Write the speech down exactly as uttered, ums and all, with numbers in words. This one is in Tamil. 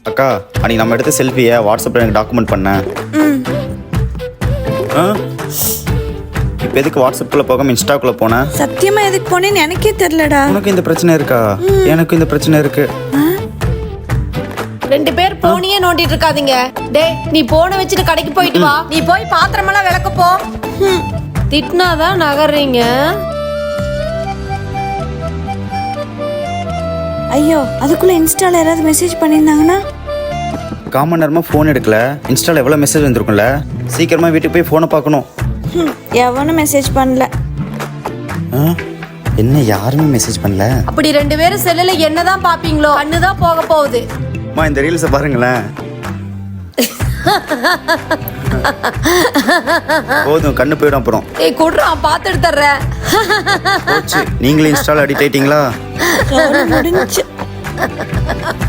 அக்கா அன்னைக்கு நம்ம எடுத்த செல்ஃபியை வாட்ஸ்அப்பில் எனக்கு டாக்குமெண்ட் பண்ணேன். ஆ இப்போ எதுக்கு வாட்ஸ்அப்பில் போகாமல் இன்ஸ்டாக்குள்ளே போனேன்? சத்தியமா எதுக்கு போனேன்னு எனக்கே தெரியலடா. உனக்கு இந்த பிரச்சனை இருக்கா? எனக்கு இந்த பிரச்சனை இருக்கு. ரெண்டு பேர் போனியே நோண்டிட்டு இருக்காதீங்க. டேய் நீ போனை வச்சுட்டு கடைக்கு போயிட்டு வா. நீ போய் பாத்திரமெல்லாம் விளக்க போ. திட்டினாதான் நகர்றீங்க. ஐயோ அதுக்குள்ள இன்ஸ்டால யாராவது மெசேஜ் பண்ணியிருந்தாங்கன்னா? காமன் நேரமாக ஃபோன் எடுக்கல, இன்ஸ்டாவில் எவ்வளோ மெசேஜ் வந்துருக்கும்ல. சீக்கிரமாக வீட்டுக்கு போய் ஃபோனை பார்க்கணும். ம், எவனும் மெசேஜ் பண்ணல. ஆ என்ன யாருமே மெசேஜ் பண்ணல? அப்படி ரெண்டு பேரும் செல்லுல என்னதான் பாப்பீங்களோ கண்ணுதான் போக போகுது. அம்மா இந்த ரீல்ஸை பாருங்களேன். போதும் கண்ணு போயிடும் அப்புறம். ஏய் குடுறான் பார்த்து எடுத்துறேன். போச்சு நீங்களும் இன்ஸ்டால அடிக்ட் ஆயிட்டீங்களா? முடிஞ்சு